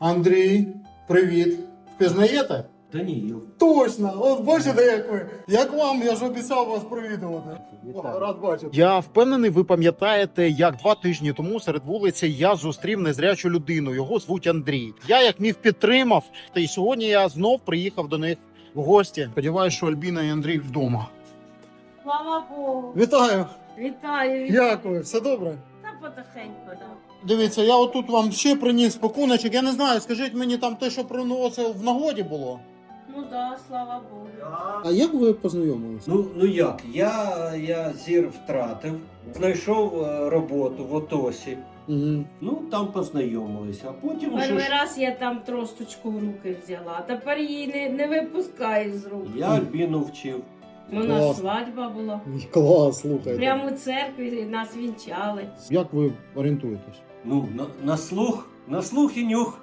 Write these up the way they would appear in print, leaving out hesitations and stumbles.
Андрій, привіт. Впізнаєте? Даніїл. Точно! От бачите, як ви. Як вам, я ж обіцяв вас привітувати. Рад бачити. Я впевнений, ви пам'ятаєте, як 2 тижні тому серед вулиці я зустрів незрячу людину. Його звуть Андрій. Я як міг підтримав, та й сьогодні я знов приїхав до них в гості. Сподіваюсь, що Альбіна і Андрій вдома. Слава Богу. Вітаю! Вітаю. Як ви? Все добре? Та потихеньку, да. Дивіться, я отут вам ще приніс пакуночок. Я не знаю, скажіть мені там те, що приносив в нагоді було. Ну да, слава Богу. А як ви познайомилися? Ну як? Я зір втратив, знайшов роботу в Отосі. Угу. Ну там познайомилися, а потім вже Перший ж раз я там тросточку в руки взяла, а тепер її не випускаю з рук. я Альбіну вчив. У нас Клас. свадьба була. Клас, слухайте. Прямо у церкві нас вінчали. Як ви орієнтуєтесь? Ну, на слух і нюх.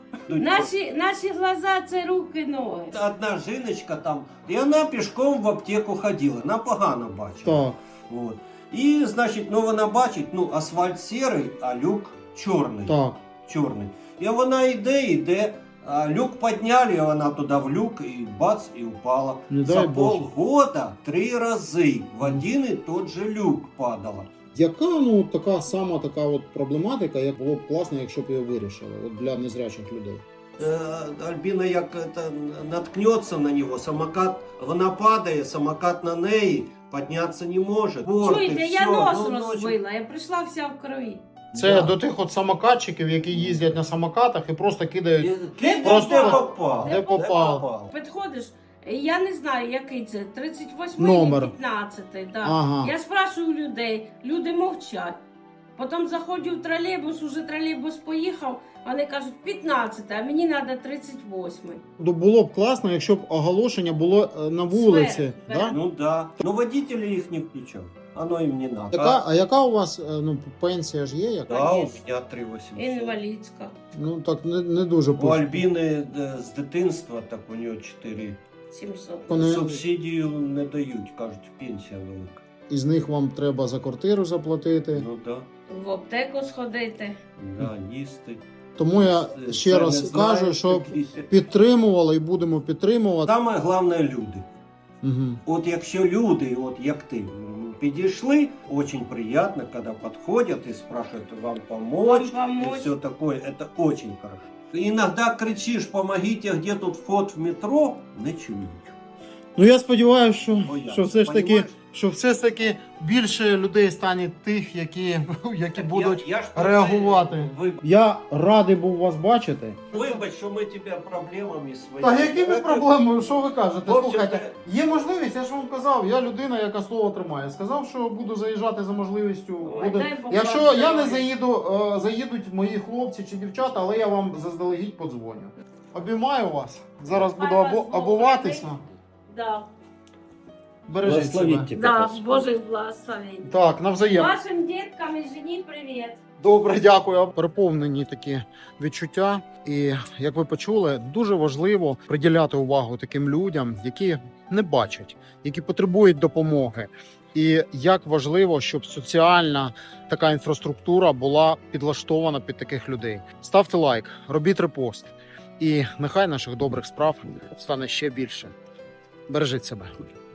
Наші глаза це руки, ноги. Одна жіночка там, і вона пішком в аптеку ходила, вона погано бачила. Так. От. І, значить, ну вона бачить, ну асфальт сірий, а люк чорний. Так. Чорний. І вона йде, а люк підняли, і вона туди в люк, і бац, і впала. Не За дай Боже. полгода 3 рази в один і тот же люк падала. Яка така сама така от проблематика, як було б класно, якщо б її вирішили от для незрячих людей? Альбіна як наткнеться на нього, самокат, вона падає, самокат на неї, піднятися не може. Чуєте, я нос розбила, я прийшла вся в крові. Це Да. до тих от самокатчиків, які їздять на самокатах і просто кидають. Просто Де попав. Де попав. Підходиш, я не знаю, який це, 38-й, Номер. 15-й, да. Ага. Я спрашиваю людей, люди мовчать. Потім заходжу в тролейбус, уже тролейбус поїхав, вони кажуть 15-й, а мені треба 38-й. Було б класно, якщо б оголошення було на вулиці. Сфери, Да? Ну да. Ну водитель їх не включав. Оно їм не надо. А яка у вас пенсія ж є? Яка? Да, у Конечно. меня 3800. Інвалідська. Ну так не дуже У пишуть. Альбіни з дитинства, так у нього 4. 700. Вони- Субсидію не дають, кажуть, пенсія велика. Із них вам треба за квартиру заплатити. Ну да, В аптеку сходити. да, їсти. Тому я Це ще не раз знаю, кажу, щоб такі. підтримували і будемо підтримувати. Саме головне люди. Угу. От якщо люди, от як ти, підійшли, очень приятно, когда подходят и спрашивают вам помочь, Вам помочь. и все такое, это очень хорошо. Иногда кричишь, помогите, где тут вход в метро, не чують. Ну я сподіваюся, Бояться, що все ж таки, понімаєш? що все ж таки більше людей стане тих, які будуть Я ж про це реагувати. Я радий був вас бачити. Вибач, що ми тебе проблемами своїми. Та якими проблемами? Що ви кажете? В общем-то, Слухайте, є можливість, я ж вам казав, я людина, яка слово тримає. Сказав, що буду заїжджати за можливістю. Ой, Буду... дай Бог Якщо вам я не здоров'я. заїду, заїдуть мої хлопці чи дівчата, але я вам заздалегідь подзвоню. Обіймаю вас. Зараз буду Хай вас Бог обуватися. бережить. Да. Бережіть себе. Благословіть тебе. Да, Господь. Божий благословень. Так, навзаєм. Вашим діткам і жені привіт. Добре, дякую. Переповнені такі відчуття. І як ви почули, дуже важливо приділяти увагу таким людям, які не бачать, які потребують допомоги. І як важливо, щоб соціальна така інфраструктура була підлаштована під таких людей. Ставте лайк, робіть репост, і нехай наших добрих справ стане ще більше. Бережіть себе.